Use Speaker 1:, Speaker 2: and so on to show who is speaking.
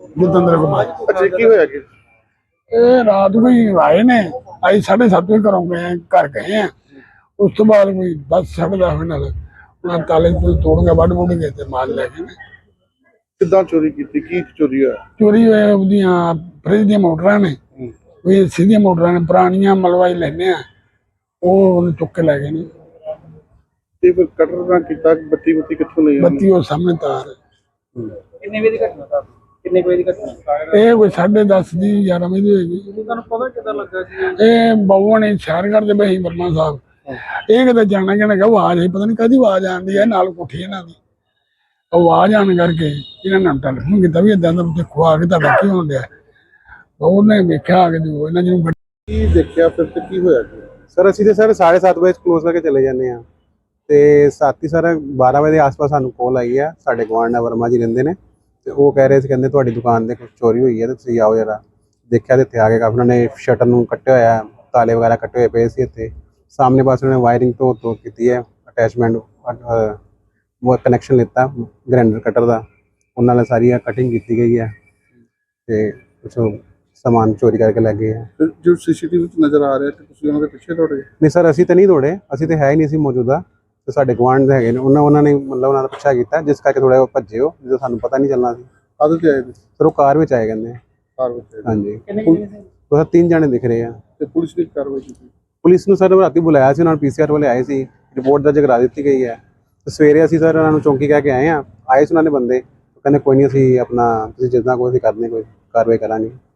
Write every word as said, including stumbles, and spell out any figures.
Speaker 1: ਜਤਿੰਦਰ ਕੁਮਾਰ।
Speaker 2: ਅੱਛਾ ਕੀ ਹੋਇਆ ਕਿ
Speaker 1: ਇਹ ਰਾਤ ਕੋਈ ਆਏ ਨੇ, ਅਸੀਂ ਸਾਢੇ ਸੱਤ ਵਜੇ ਘਰੋਂ ਗਏ, ਘਰ ਗਏ ਆ। ਉਸ ਤੋਂ ਬਾਅਦ ਕੋਈ ਦਸ ਸਾਢੇ ਦਸ ਵਜੇ ਨਾਲ ਉਹਨਾਂ ਤਾਲੇ ਤੂਲੇ ਤੋੜ ਕੇ ਵੱਢ ਵੁੱਢ ਕੇ ਤੇ ਮਾਲ ਲੈ ਗਏ ਨੇ।
Speaker 2: ਕਿੱਦਾਂ ਚੋਰੀ ਕੀਤੀ, ਕੀ ਚੋਰੀ ਹੋਇਆ?
Speaker 1: ਚੋਰੀ ਹੋਏ ਉਹਦੀਆਂ ਫਰਿੱਜ ਦੀਆਂ ਮੋਟਰਾਂ ਨੇ, ਕੋਈ ਸਿੱਧੀਆਂ ਮੋਟਰਾਂ ਨੇ ਪੁਰਾਣੀਆਂ ਮਲਵਾਈ ਲੈਂਦੇ ਆ, ਉਹ ਉਹਨੂੰ ਚੁੱਕ ਕੇ ਲੈ ਗਏ ਨੇ।
Speaker 2: ਤੇ ਫਿਰ ਕਟਰ ਨਾਲ ਕੀਤਾ, ਬੱਤੀ ਬੱਤੀ ਕਿੱਥੋਂ ਲਈ?
Speaker 1: ਬੱਤੀ ਉਹ ਸਾਹਮਣੇ ਤਾਰ ਹੈ।
Speaker 3: ਕਿੰਨੇ ਵਜੇ ਦੀ ਘਟਨਾ ਸਰ? ਕਿੰਨੇ ਵਜੇ ਦੀ ਘਟਨਾ?
Speaker 1: ਇਹ ਕੋਈ ਸਾਢੇ ਦਸ ਦੀ ਗਿਆਰਾਂ ਵਜੇ ਦੀ ਹੋਏਗੀ।
Speaker 3: ਤੁਹਾਨੂੰ ਪਤਾ ਕਿੱਦਾਂ ਲੱਗਾ ਸੀ?
Speaker 1: ਇਹ ਬਾਬੂਆਂ ਨੇ ਸ਼ਹਿਰ ਕਰਦੇ ਪਏ ਸੀ ਵਰਮਾ ਸਾਹਿਬ, ਇਹ ਕਿਤੇ ਜਾਣਾ ਜਾਣਾ ਕਿ ਆਵਾਜ਼ ਆਈ, ਪਤਾ ਨਹੀਂ ਕਾਹਦੀ ਆਵਾਜ਼ ਆਉਂਦੀ ਹੈ, ਨਾਲ ਕੋਠੀ ਇਹਨਾਂ ਦੀ ਆਵਾਜ਼ ਆਉਣ ਕਰਕੇ ਇਹਨਾਂ ਨੇ ਟੈਲੀਫੋਨ ਕੀਤਾ ਵੀ ਏਦਾਂ ਦਾ ਦੇਖੋ ਆ ਕੇ ਤੁਹਾਡਾ ਕੀ ਹੋਣ ਡਿਆ। ਉਹਨੇ ਵੇਖਿਆ ਆ ਕੇ ਜੋ ਇਹਨਾਂ ਜਿਹਨੂੰ
Speaker 2: ਕੀ ਦੇਖਿਆ ਫਿਰ ਤੇ ਕੀ ਹੋਇਆ?
Speaker 4: ਸਰ ਅਸੀਂ ਤੇ ਸਰ ਸਾਢੇ ਸੱਤ ਵਜੇ ਕਲੋਜ਼ ਕਰਕੇ ਚਲੇ ਜਾਂਦੇ ਆ ਤੇ ਸਾਥੀ ਸਰ ਬਾਰਾਂ ਵਜੇ ਦੇ ਆਸ-ਪਾਸ ਸਾਨੂੰ ਕਾਲ ਆਈ ਆ। ਸਾਡੇ ਗੁਆਂਢ ਨਾਲ ਵਰਮਾ ਜੀ ਰਹਿੰਦੇ ਨੇ ਤੇ ਉਹ ਕਹਿ ਰਹੇ ਸੀ, ਕਹਿੰਦੇ ਤੁਹਾਡੀ ਦੁਕਾਨ ਤੇ ਕੁਝ ਚੋਰੀ ਹੋਈ ਹੈ ਤੇ ਤੁਸੀਂ ਆਓ ਜਰਾ। ਦੇਖਿਆ ਤੇ ਇੱਥੇ ਆ ਕੇ ਕਾਫੀ ਉਹਨਾਂ ਨੇ ਸ਼ਟਰ ਨੂੰ ਕੱਟਿਆ ਹੋਇਆ, ਤਾਲੇ ਵਗੈਰਾ ਕੱਟੇ ਹੋਏ ਪਏ ਸੀ। ਇੱਥੇ ਸਾਹਮਣੇ ਪਾਸੇ ਉਹਨਾਂ ਨੇ ਵਾਇਰਿੰਗ ਤੋਂ ਤੋਂ ਕੀਤੀ ਹੈ, ਅਟੈਚਮੈਂਟ ਉਹ ਕਨੈਕਸ਼ਨ ਲਿੱਤਾ ਗ੍ਰਾਈਂਡਰ ਕਟਰ ਦਾ, ਉਹਨਾਂ ਨਾਲ ਸਾਰੀ ਕਟਿੰਗ ਕੀਤੀ ਗਈ ਹੈ ਤੇ ਕੁਛ ਸਮਾਨ ਚੋਰੀ ਕਰਕੇ ਲੈ ਗਏ ਆ।
Speaker 2: ਜੋ ਸੀਸੀਟੀਵੀ ਵਿੱਚ ਨਜ਼ਰ ਆ ਰਿਹਾ ਤੇ ਤੁਸੀਂ ਉਹਨਾਂ ਦੇ ਪਿੱਛੇ ਦੌੜੇ?
Speaker 4: ਨਹੀਂ ਸਰ ਅਸੀਂ ਤਾਂ ਨਹੀਂ ਦੌੜੇ, ਅਸੀਂ ਤਾਂ ਹੈ ਹੀ ਨਹੀਂ ਸੀ ਮੌਜੂਦਾ ਤੇ ਸਾਡੇ ਗੁਆਂਢ ਦੇ ਹੈਗੇ ਨੇ, ਉਹਨਾਂ ਉਹਨਾਂ ਨੇ ਮਤਲਬ ਉਹਨਾਂ ਦਾ ਪਿੱਛਾ ਕੀਤਾ, ਜਿਸ ਕਰਕੇ ਥੋੜਾ ਭੱਜੇ ਹੋ, ਜਦੋਂ ਸਾਨੂੰ ਪਤਾ ਨਹੀਂ ਚੱਲਣਾ ਸੀ।
Speaker 2: ਆਦਤ ਤੇ ਆਏ
Speaker 4: ਸਰ ਉਹ ਕਾਰ ਵਿੱਚ ਆਏ ਕਹਿੰਦੇ।
Speaker 2: ਕਾਰ ਵਿੱਚ ਆਏ?
Speaker 4: ਹਾਂਜੀ
Speaker 3: ਕਿੰਨੇ ਕਿੰਨੇ ਸੀ?
Speaker 4: ਉਹ ਤਿੰਨ ਜਾਣੇ ਦਿਖ ਰਹੇ ਆ।
Speaker 2: ਤੇ ਪੁਲਿਸ ਨੇ ਕਾਰਵਾਈ ਕੀਤੀ?
Speaker 4: ਪੁਲਿਸ ਨੂੰ ਸਰ ਰਾਤੀ ਬੁਲਾਇਆ ਸੀ, ਉਹਨਾਂ ਨੂੰ ਪੀਸੀਆਰ ਵਾਲੇ ਆਏ ਸੀ, ਰਿਪੋਰਟ ਦਰਜ ਕਰਾ ਦਿੱਤੀ ਗਈ ਹੈ ਤੇ ਸਵੇਰੇ ਅਸੀਂ ਸਰ ਉਹਨਾਂ ਨੂੰ ਚੌਂਕੀ ਕਹਿ ਕੇ ਆਏ ਆ। ਆਏ ਸੀ ਉਹਨਾਂ ਨੇ ਬੰਦੇ, ਕਹਿੰਦੇ ਕੋਈ ਨਹੀਂ ਅਸੀਂ ਆਪਣਾ ਤੁਸੀਂ ਜਿੱਦਾਂ ਕੋਈ ਅਸੀਂ ਕਰਦੇ ਕੋਈ ਕਾਰਵਾਈ ਕਰਾਂਗੇ।